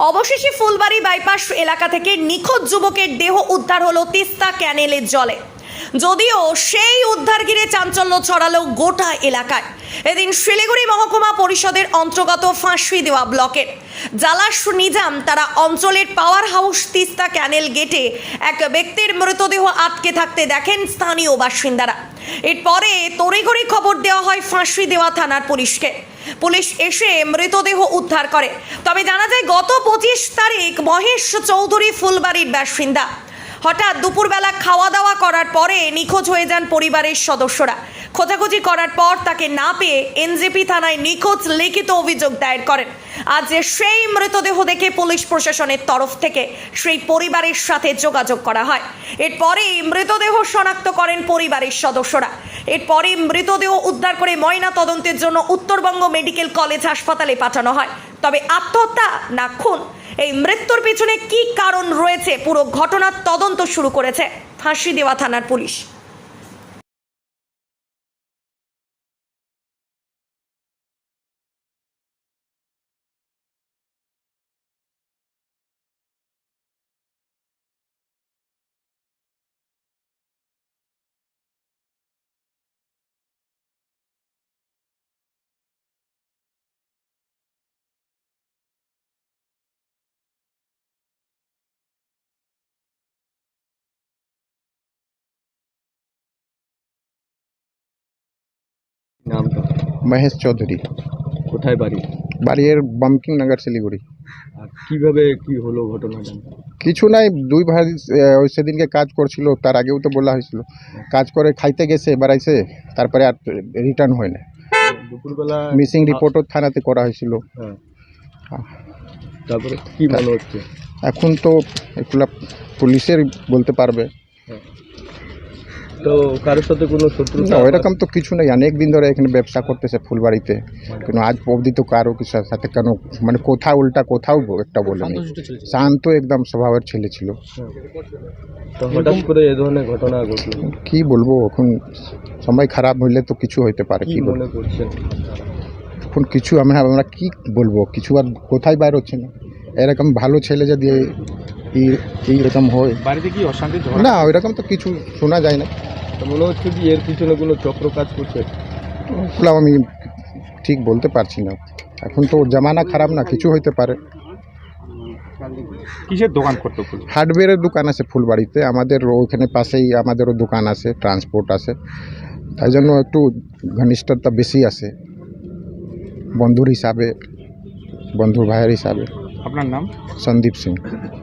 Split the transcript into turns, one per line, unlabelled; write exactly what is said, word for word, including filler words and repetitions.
অবশেষে ফুলবাড়ি বাইপাস এলাকা থেকে নিখোঁজ যুবকের দেহ উদ্ধার হলো তিস্তা ক্যানেলের জলে। যদিও সেই উদ্ধার ঘিরে চাঞ্চল্য ছড়ালো গোটা এলাকায়। এদিন শিলিগুড়ি মহকুমা পরিষদের অন্তর্গত ফাঁসি দেওয়া ব্লকের জালাস নিজাম তারা অঞ্চলের পাওয়ার হাউস তিস্তা ক্যানেল গেটে এক ব্যক্তির মৃতদেহ আটকে থাকতে দেখেন স্থানীয় বাসিন্দারা। এরপরে তড়িঘড়ি খবর দেওয়া হয় ফাঁসি দেওয়া থানার পুলিশকে। পুলিশ এসে মৃতদেহ উদ্ধার করে। তবে জানা যায় গত পঁচিশ তারিখ মহেশ চৌধুরী ফুলবাড়ির বাসিন্দা হঠাৎ দুপুরবেলা খাওয়া দাওয়া করার পরে নিখোঁজ হয়ে যান পরিবারের সদস্যরা। খোঁজাখুঁজি করার পর তাকে না পেয়ে এনজেপি থানায় নিখোঁজ লিখিত অভিযোগ দায়ের করেন। আজ সেই মৃতদেহ দেখে পুলিশ প্রশাসনের তরফ থেকে সেই পরিবারের সাথে যোগাযোগ করা হয়। এরপরেই মৃতদেহ শনাক্ত করেন পরিবারের সদস্যরা। এরপরে মৃতদেহ উদ্ধার করে ময়না তদন্তের জন্য উত্তরবঙ্গ মেডিকেল কলেজ হাসপাতালে পাঠানো হয়। তবে আত্মহত্যা না খুন, এই মৃত্যুর পিছনে কি কারণ রয়েছে পুরো ঘটনার তদন্ত শুরু করেছে ফাঁসি দেওয়া থানার পুলিশ।
নামটা?
মহেশ চৌধুরী।
কোথায় বাড়ি?
বাড়ির বঙ্কিম নগর শিলিগুড়ি।
আর কিভাবে কি হলো ঘটনাটা?
কিছু নাই, দুই ভাই আহ, ওই সেদিনকে কাজ করছিল, তার আগেও তো বলা হয়েছিল। কাজ করে খাইতে গেছে বেড়াইছে, তারপরে আর রিটার্ন হয় না।
দুপুরবেলা
মিসিং রিপোর্টও থানাতে করা হয়েছিল।
হ্যাঁ, তারপরে কি মনে হচ্ছে?
এখন তো এগুলা পুলিশের বলতে পারবে।
তো কারোর সাথে কোনো শত্রুতা?
না, ওইরকম তো কিছু নেই। অনেক দিন ধরে এখানে ব্যবসা করতেছে ফুলবাড়িতে, কিন্তু আজ অবধি তো কারো কিছু সাথে কেন মানে কোথাও উল্টা কোথাও একটা বলেনি। শান্ত একদম স্বভাবের ছেলে ছিল।
তো হঠাৎ করে এই ধরনের ঘটনা ঘটলো,
কি বলবো, এখন সময় খারাপ হইলে তো কিছু হইতে পারে।
কি
কি
মনে করছেন?
এখন কিছু আমরা আমরা কি বলবো, কিছু আর কোথায় বাইর হচ্ছে না। এরকম ভালো ছেলে যদি এই- এইরকম হয়,
বাড়িতে কি অশান্তি?
না ওইরকম তো কিছু শোনা যায় না।
তো মনে হচ্ছে কি এর পিছনে কোনো চক্র কাজ করছে?
ওগুলো আমি ঠিক বলতে পারছি না। এখন তো জামানা খারাপ না, কিছু হইতে পারে।
কিসের দোকান করতো?
হার্ডওয়্যারের দোকান আছে ফুলবাড়িতে, আমাদের ওইখানে পাশেই আমাদেরও দোকান আছে, ট্রান্সপোর্ট আছে, তাই জন্য একটু ঘনিষ্ঠতা বেশি আছে বন্ধুর হিসাবে, বন্ধুর ভাইয়ের হিসাবে।
আপনার নাম?
সন্দীপ সিং।